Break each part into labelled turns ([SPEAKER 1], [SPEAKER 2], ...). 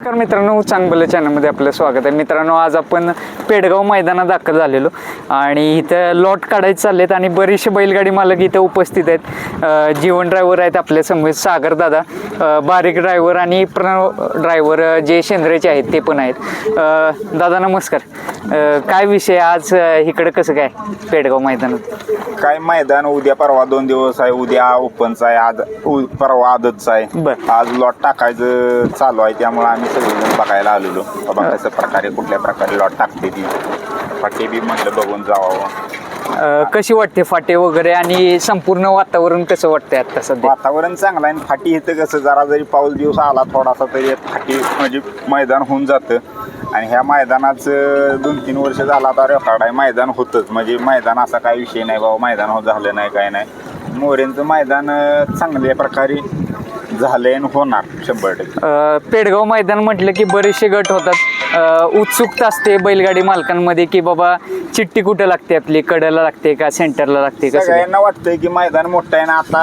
[SPEAKER 1] नमस्कार मित्रांनो, चांगलं चॅनलमध्ये आपलं स्वागत आहे. मित्रांनो, आज आपण पेडगाव मैदानात दाखल झालेलो आणि इथं लॉट काढायचे चाललेत आणि बरेचसे बैलगाडी मालक इथं उपस्थित आहेत. जीवन ड्रायव्हर आहेत आपल्या समोर, सागर दादा, बारीक ड्रायव्हर आणि प्रणव ड्रायव्हर जे शेंद्रेचे आहेत ते पण आहेत. दादा नमस्कार. काय विषय आज इकडं कसं काय पेडगाव मैदानात?
[SPEAKER 2] काय मैदान उद्या परवा 2 दिवस आहे. उद्या ओपनचा आहे, आज परवा आदतचा आहे. आज लॉट टाकायचं चालू आहे, त्यामुळे आम्ही सगळेजण बघायला आलेलो. बाबा कसं प्रकारे कुठल्या प्रकारे लॉट टाकते ती फाटे बी म्हटलं बघून जावं.
[SPEAKER 1] कशी वाटते फाटे वगैरे आणि संपूर्ण वातावरण कसं वाटतंय आता सध्या?
[SPEAKER 2] वातावरण चांगलं आहे. फाटी इथं कसं जरा जरी पाऊस दिवस आला थोडासा तरी फाटी म्हणजे मैदान होऊन जातं. आणि ह्या मैदानाचं 2-3 वर्ष झाला आता रेकॉर्ड आहे. मैदान होतंच म्हणजे मैदान असा काही विषय नाही बाबा मैदान झालं नाही काय नाही. मोरेंचं मैदान चांगल्या प्रकारे झालंय आणि होणार 100%.
[SPEAKER 1] पेडगाव मैदान म्हटलं की बरेचसे गट होतात. उत्सुकता असते बैलगाडी मालकांमध्ये की बाबा चिठ्ठी कुठं लागते, आपली कडेला लागते का सेंटरला लागते? कसं
[SPEAKER 2] सगळ्यांना वाटतंय की मैदान मोठं आहे ना. आता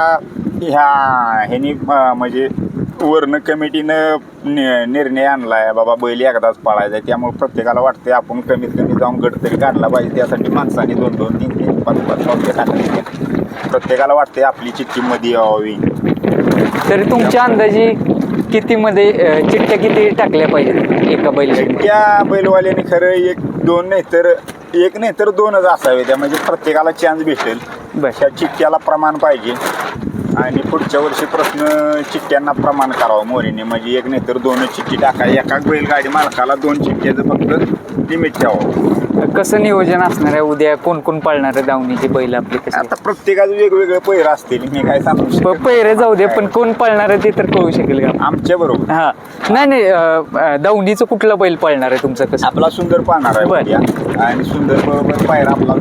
[SPEAKER 2] ह्यानी म्हणजे वर्ण कमिटीनं निर्णय आणलाय बाबा बैल एकदाच पाळायचा आहे. त्यामुळे प्रत्येकाला वाटतंय आपण कमीत कमी जाऊन गट तरी काढला पाहिजे. त्यासाठी माणसाने 2-2, 3-3, 5-5 पावले टाकले. प्रत्येकाला वाटतंय आपली चिठ्ठी मध्ये यावी.
[SPEAKER 1] तरी तुमच्या अंदाजे कितीमध्ये चिठ्ठ्या किती टाकल्या पाहिजेत एका बैलगाडी?
[SPEAKER 2] त्या बैलवाल्याने खरं 1-2 नाही तर 2च असावे. त्या म्हणजे प्रत्येकाला चान्स भेटेल. ह्या चिठ्ठ्याला प्रमाण पाहिजे आणि पुढच्या वर्षी प्रश्न चिठ्ठ्यांना प्रमाण करावं मोरीने. म्हणजे 1 नाही तर 2च चिठ्ठी टाका. एका बैलगाडी मालकाला 2 चिठ्ठ्याचं फक्त लिमिट ठेवावं.
[SPEAKER 1] कसं नियोजन असणार आहे उद्या? कोण कोण पाळणार आहे दावणीची बैल आपली?
[SPEAKER 2] आता प्रत्येकाचं वेगवेगळे पैर असतील, मी काय सांगू शकतो.
[SPEAKER 1] पैरे जाऊ दे, पण कोण पाळणार आहे ते तर कळू शकेल का
[SPEAKER 2] आमच्या बरोबर?
[SPEAKER 1] हा, नाही दावणीचं कुठला बैल पाळणार आहे तुमचं? कसं?
[SPEAKER 2] आपला सुंदर पाळणार आहे उद्या. आणि सुंदर बरोबर पायरा आपला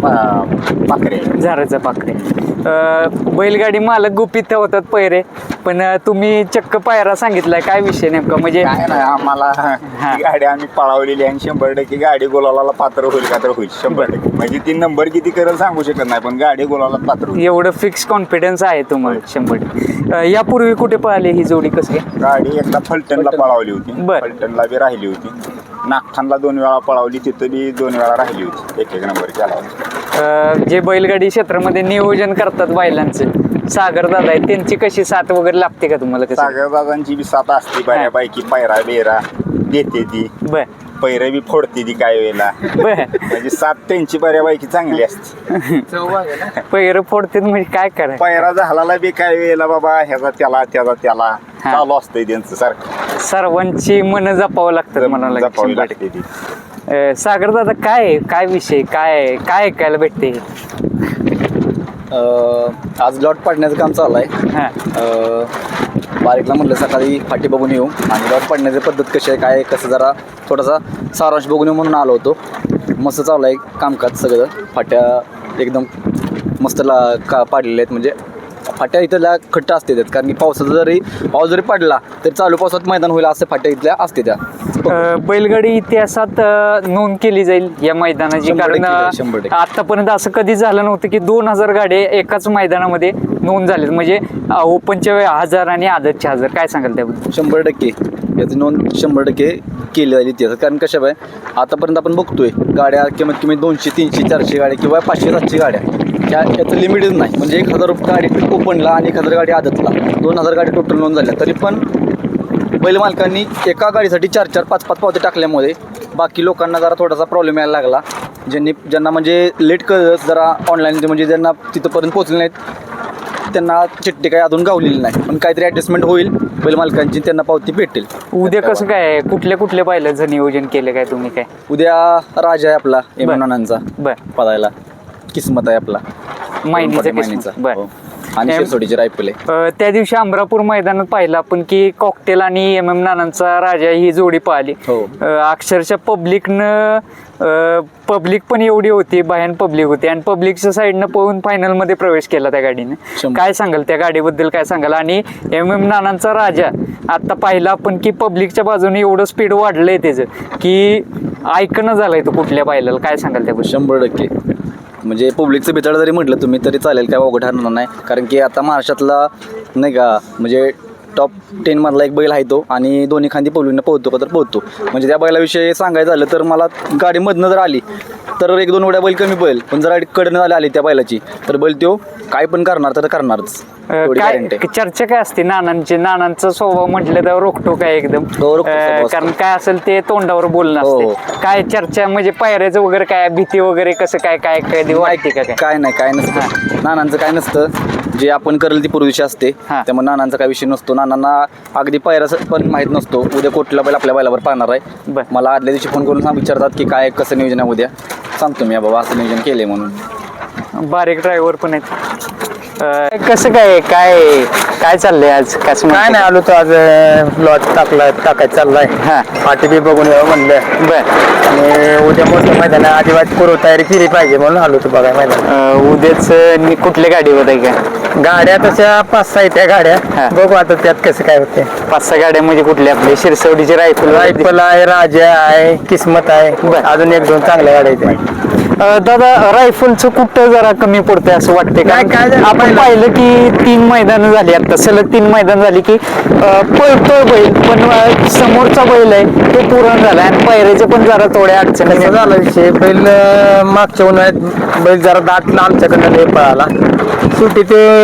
[SPEAKER 1] झाराचा पाखरे. बैलगाडी मालक गुपित ठेवतात पैरे, पण तुम्ही चक्क पायरा सांगितलाय. काय विषय नेमका? म्हणजे
[SPEAKER 2] काय नाही, आम्हाला गाडी आम्ही पळावलेली आणि 100% गाडी गोलाला पात्र होईल का तर होईल 100%. म्हणजे ती नंबर किती करेल सांगू शकत नाही, पण गाडी गोलाला पात्र होईल
[SPEAKER 1] एवढं फिक्स कॉन्फिडन्स आहे तुम्हाला 100%. यापूर्वी कुठे पळाली ही जोडी? कसं काय?
[SPEAKER 2] गाडी एकदा फलटणला पळावली होती. फलटणला बी राहिली होती. नागठाणला 2 वेळा पळावली, तिथं बी 2 वेळा राहिली होती. 1-1 नंबर केला.
[SPEAKER 1] जे बैलगाडी क्षेत्रामध्ये नियोजन करतात बैलांचं, सागर दादा आहे, त्यांची कशी साथ वगैरे लागते का तुम्हाला?
[SPEAKER 2] सागर दादांची बी साथ असते बऱ्यापैकी. पायरा बेरा देते ती, पैरा बी फोडते ती काय वेळेला. म्हणजे साथ त्यांची बऱ्यापैकी चांगली असते.
[SPEAKER 1] पैर फोडते म्हणजे काय करायचं?
[SPEAKER 2] पैरा झाला बी काय वेळेला बाबा ह्याचा त्याला त्याचा त्याला चालू असतंय त्यांचं सारखं.
[SPEAKER 1] सर्वांची मन जपावं लागतात म्हणाला.
[SPEAKER 2] जपावी लागते ती.
[SPEAKER 1] सागर दादा, काय विषय, काय ऐकायला भेटते?
[SPEAKER 3] आज लॉट पाडण्याचं काम चालू आहे. बारीकला म्हटलं सकाळी फाटी बघून येऊ आणि लॉट पाडण्याची पद्धत कशी आहे, काय कसं, जरा थोडासा सारांश बघून येऊ म्हणून आलो होतो. मस्त चालू आहे कामकाज सगळं. फाट्या एकदम मस्त पाडलेल्या आहेत. म्हणजे फाट्या इथल्या खट्ट असते त्यात, कारण की पाऊस जरी पडला तरी चालू पावसात मैदान होईल असं फाट्या इथल्या असते त्या.
[SPEAKER 1] बैलगाडी इतिहासात नोंद केली जाईल या मैदानाची, कारण आतापर्यंत असं कधी झालं नव्हतं की 2000 गाड्या एकाच मैदानामध्ये नोंद झालेत. म्हणजे ओपनच्या 1000 आणि आदतच्या 1000. काय सांगाल त्याबद्दल?
[SPEAKER 3] 100% याची नोंद 100% केली जाईल इतिहासात. कारण कशा बाय आतापर्यंत आपण बघतोय गाड्या कमीत कमी 200, 300, 400 गाड्या किंवा 500, 700 गाड्या. याचं लिमिटच नाही. म्हणजे 1000 गाडी ओपनला आणि 1000 गाडी आदतला, 2000 गाडी टोटल नोंद झाल्या. तरी पण बैल मालकांनी एका गाडीसाठी 4-4, 5-5 पावते टाकल्यामुळे बाकी लोकांना जरा थोडासा प्रॉब्लेम यायला लागला. ज्यांना म्हणजे लेट कळत जरा ऑनलाईन, म्हणजे ज्यांना तिथंपर्यंत पोहोचले नाहीत त्यांना चिठ्ठी काही अजून गावलेली नाही. पण काहीतरी ॲडजस्टमेंट होईल बैल मालकांची, त्यांना पावती भेटेल.
[SPEAKER 1] उद्या कसं काय, कुठल्या बैलाचं नियोजन केलं काय तुम्ही? काय
[SPEAKER 3] उद्या राजा आहे आपला एमनानांचा पळायला, किस्मत आहे आपला
[SPEAKER 1] मायनीचा.
[SPEAKER 3] आणि शिरसोडीची रायफल आहे.
[SPEAKER 1] त्या दिवशी अमरापूर मैदानात पाहिलं आपण की कॉकटेल आणि MM नानांचा राजा ही जोडी पाहिली. अक्षरशः पब्लिक पण एवढी होती, भयान पब्लिक होती आणि पब्लिकच्या साईडनं पळून फायनलमध्ये प्रवेश केला त्या गाडीने. काय सांगाल त्या गाडीबद्दल? काय सांगाल? आणि MM नानांचा राजा आता पाहिला आपण की पब्लिकच्या बाजूने एवढं स्पीड वाढलंय त्याचं की ऐकणं झालंय तो कुठल्या पाहिलं. काय सांगाल त्याबद्दल?
[SPEAKER 3] 100% म्हणजे पब्लिकचं बिचार जरी म्हटलं तुम्ही तरी चालेल, काय अवघड ठरणार नाही. कारण की आता महाराष्ट्रातला नाही का म्हणजे टॉप 10 मधला एक बैल आहे तो आणि दोन्ही खांदी पळून पोहतो का तर पोहतो. म्हणजे त्या बैलाविषयी सांगायचं झालं तर मला गाडी मधनं जर आली तर 1-2 उड्या बैल कमी पळेल, पण जर कडनं आली त्या बैलाची तर बैल तो काय पण करणार तर करणारच. एवढी
[SPEAKER 1] काय
[SPEAKER 3] guarantee आहे.
[SPEAKER 1] चर्चा काय असते नानांचा स्वभाव म्हटलं तर रोखतो काय एकदम
[SPEAKER 3] हो, रोखटोक स्वभाव असतो.
[SPEAKER 1] कारण काय असेल ते तोंडावर बोलणं
[SPEAKER 3] हो.
[SPEAKER 1] असते. काय चर्चा म्हणजे पायऱ्याचं वगैरे काय भीती वगैरे कसं काय काय कधी वाटते का काय?
[SPEAKER 3] काय नाही काय नसतं नानांचं काय नसतं, जे आपण करेल ती पूर्वीची असते.
[SPEAKER 1] हा.
[SPEAKER 3] त्यामुळे नानांचा काय विषय नसतो. नानांना अगदी पायऱ्याचं पण माहीत नसतो उद्या कुठला बैल आपल्या बैलावर पाहणार आहे.
[SPEAKER 1] बर.
[SPEAKER 3] मला आदल्या दिवशी फोन करून विचारतात की काय कसं नियोजन आहे उद्या, सांगतो मी बाबा असं नियोजन केलंय म्हणून.
[SPEAKER 1] बारीक ड्रायव्हर पण आहेत. कसं काय काय काय चाललंय आज? कसं
[SPEAKER 4] काय नाही, आलो तो आज लॉट टाकायचा चाललाय.
[SPEAKER 1] हा.
[SPEAKER 4] पाठी बी बघून यावं म्हणलं
[SPEAKER 1] बर.
[SPEAKER 4] आणि उद्या मोठं मैदान आहे, आदिवासी पूर्व तयारी केली पाहिजे म्हणून आलो तो बघाय मैदान.
[SPEAKER 1] उद्याच कुठल्या गाडीवर आहे का?
[SPEAKER 4] गाड्या तशा 5-6 आहेत त्या गाड्या.
[SPEAKER 1] हा.
[SPEAKER 4] बघू आता त्यात कसं काय होते.
[SPEAKER 1] 5-6 गाड्या म्हणजे कुठल्या आपल्या शिरसवडीची रायफल
[SPEAKER 4] रायफल आहे, राजा आहे, किस्मत आहे,
[SPEAKER 1] बरं.
[SPEAKER 4] अजून 1-2 चांगल्या गाड्या आहेत.
[SPEAKER 1] दादा रायफलचं कुठं जरा कमी पडतंय असं वाटतंय का?
[SPEAKER 4] नाही, काय झालं
[SPEAKER 1] आपण पाहिलं की 3 मैदान झाली आता सलग 3 मैदान झाली की पळतोय बैल पण समोरचा बैल आहे तो पूर्ण झाला आणि पायऱ्याचे पण जरा थोड्या अडचणी
[SPEAKER 4] कसं झाला विषय, बैल मागच्या उन्हाळ्यात बैल जरा दाटला आमच्याकडनं लय पळाला. शेवटी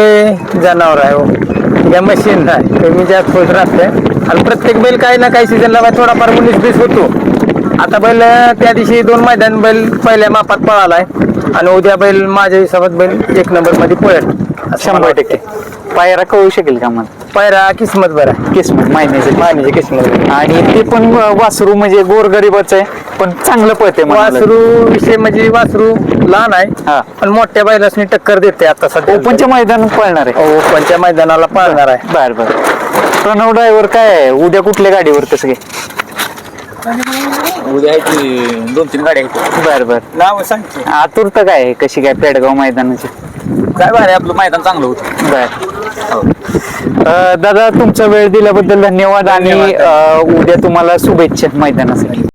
[SPEAKER 4] ते जनावर आहे हो, या मशीन नाही कमी जास्त होत राहते आणि प्रत्येक बैल काही ना काही सीझनला थोडाफार 19-20 होतो. आता बैल त्या दिवशी 2 मैदान बैल पहिल्या मापात पळालाय आणि उद्या बैल माझ्या हिशोबात बैल 1 नंबर मध्ये पळेल
[SPEAKER 1] 100%. पायरा कळू शकेल का मला?
[SPEAKER 4] पायरा किस्मत बरा,
[SPEAKER 1] किस्मत महिन्याचे
[SPEAKER 4] मानेची किस्मत.
[SPEAKER 1] आणि ते पण वासरू म्हणजे गोरगरीबच आहे पण चांगलं पळते
[SPEAKER 4] वासरू विषय म्हणजे वासरू लहान
[SPEAKER 1] हा.
[SPEAKER 4] आहे पण मोठ्या बैलासनी टक्कर देते आता सध्या.
[SPEAKER 1] ओपनच्या मैदानात पळणार आहे.
[SPEAKER 4] ओपनच्या मैदानाला पळणार आहे.
[SPEAKER 1] बर बर. प्रणव ड्रायव्हर काय आहे? उद्या कुठल्या गाडीवर कसं काय?
[SPEAKER 3] उद्या आहे की 2-3 गाड्या आहेत.
[SPEAKER 1] बर बर.
[SPEAKER 3] नाव सांगते
[SPEAKER 1] आतुरता काय आहे? कशी काय पेडगाव मैदानाची?
[SPEAKER 3] काय भारी आपलं मैदान चांगलं होतं.
[SPEAKER 1] बर. दादा तुमचा वेळ दिल्याबद्दल धन्यवाद आणि उद्या तुम्हाला शुभेच्छा मैदानासाठी.